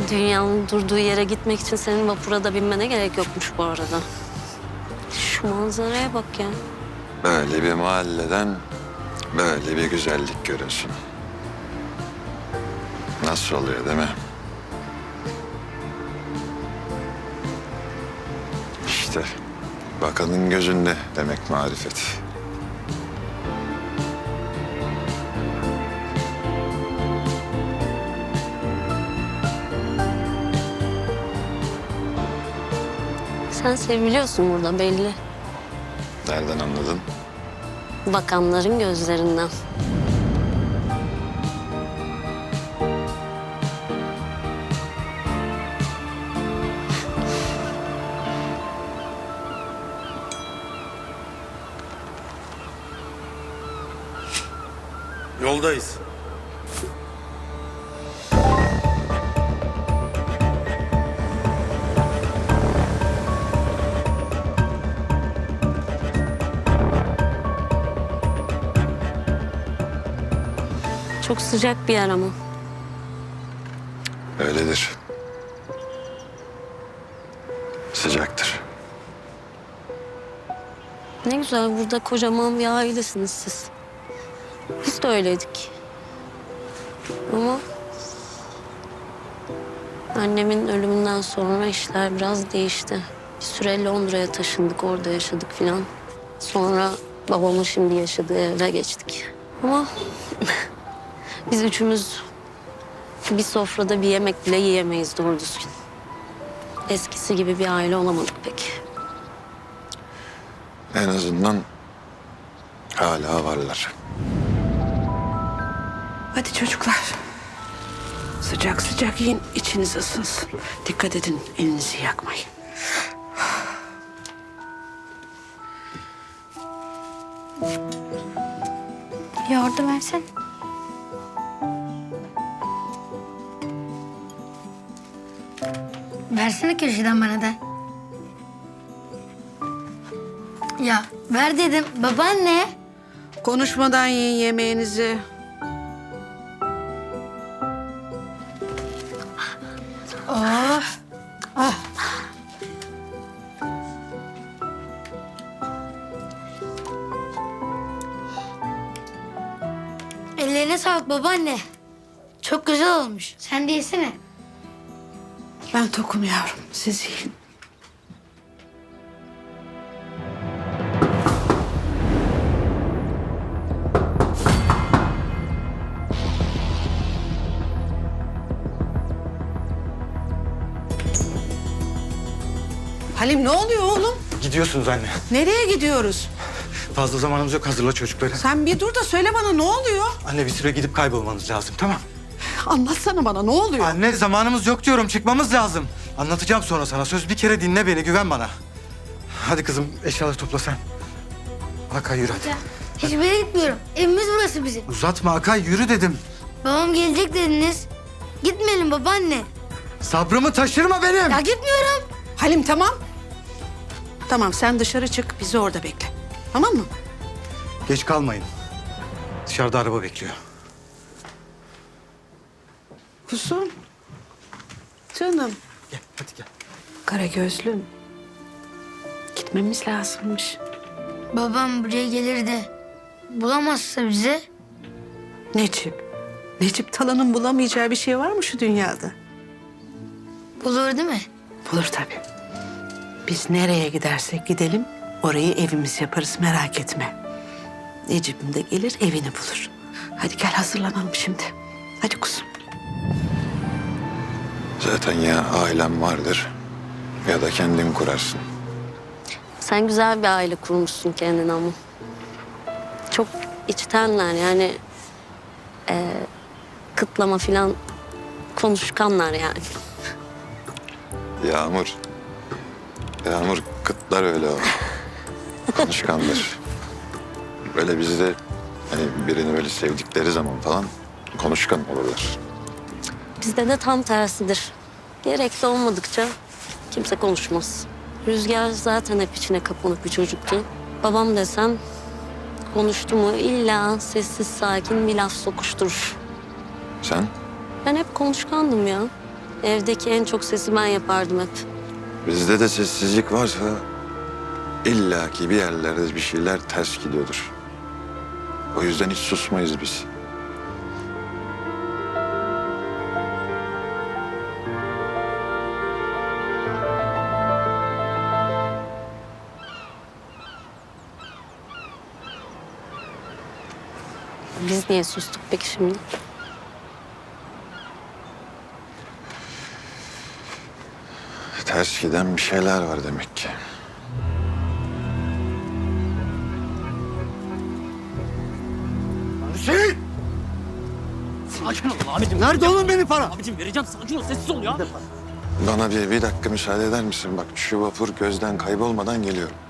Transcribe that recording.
Dünyanın durduğu yere gitmek için senin vapura da binmene gerek yokmuş bu arada. Şu manzaraya bak ya. Böyle bir mahalleden böyle bir güzellik görüyorsun. Nasıl oluyor değil mi? İşte bakanın gözünde demek marifet. Sen seviliyorsun burada belli. Nereden anladın? Bakanların gözlerinden. Yoldayız. Çok sıcak bir yer ama. Öyledir. Sıcaktır. Ne güzel burada kocaman bir ailesiniz siz. Biz de öyleydik. Ama annemin ölümünden sonra işler biraz değişti. Bir süre Londra'ya taşındık, orada yaşadık filan. Sonra babamın şimdi yaşadığı eve geçtik. Ama biz üçümüz bir sofrada bir yemek bile yiyemeyiz doğru düzgün. Eskisi gibi bir aile olamadık pek. En azından hala varlar. Hadi çocuklar. Sıcak sıcak yiyin, içiniz ısınsın. Dikkat edin, elinizi yakmayın. Yoğurdu versen. Versene köşeden bana da. Ya ver dedim babaanne. Konuşmadan yiyin yemeğinizi. Oh. Ah. Ellerine sağlık babaanne. Çok güzel olmuş. Sen de yesene. Ben tokum yavrum, siz yiyin. Halim ne oluyor oğlum? Gidiyorsunuz anne. Nereye gidiyoruz? Fazla zamanımız yok, hazırla çocukları. Sen bir dur da söyle bana ne oluyor? Anne bir süre gidip kaybolmanız lazım, tamam? Anlatsana bana ne oluyor? Anne zamanımız yok diyorum, çıkmamız lazım. Anlatacağım sonra sana, söz bir kere dinle beni, güven bana. Hadi kızım, eşyaları topla sen. Akay yürü hadi. Hiçbir yere gitmiyorum. Evimiz burası bizim. Uzatma Akay, yürü dedim. Babam gelecek dediniz. Gitmeyelim babaanne. Sabrımı taşırma benim. Ya gitmiyorum. Halim tamam. Tamam sen dışarı çık, bizi orada bekle. Tamam mı? Geç kalmayın. Dışarıda araba bekliyor. Kusum. Canım. Gel, hadi gel. Karagözlüm. Gitmemiz lazımmış. Babam buraya gelir de bulamazsa bize. Necip. Necip Talan'ın bulamayacağı bir şey var mı şu dünyada? Bulur değil mi? Bulur tabii. Biz nereye gidersek gidelim orayı evimiz yaparız merak etme. Necip'im de gelir evini bulur. Hadi gel hazırlanalım şimdi. Hadi kuzum. Zaten ya ailem vardır ya da kendin kurarsın. Sen güzel bir aile kurmuşsun kendine ama. Çok içtenler yani. Kıtlama filan konuşkanlar yani. Yağmur. Yağmur kıtlar öyle o. Konuşkandır. Böyle bizde hani birini böyle sevdikleri zaman falan konuşkan olurlar. Bizde de tam tersidir. Gerekli olmadıkça kimse konuşmaz. Rüzgar zaten hep içine kapanık bir çocuktu. Babam desem konuştu mu illa sessiz sakin bir laf sokuşturur. Sen? Ben hep konuşkandım ya. Evdeki en çok sesi ben yapardım hep. Bizde de sessizlik varsa illaki bir yerlerde bir şeyler ters gidiyordur. O yüzden hiç susmayız biz. Biz niye sustuk peki şimdi? Ters giden bir şeyler var demek ki. Hüseyin! Sakin ol abicim. Nerede oğlum benim para? Abicim vereceğim, sakin ol, sessiz ol ya. Bana bir dakika müsaade eder misin? Bak şu vapur gözden kaybolmadan geliyorum.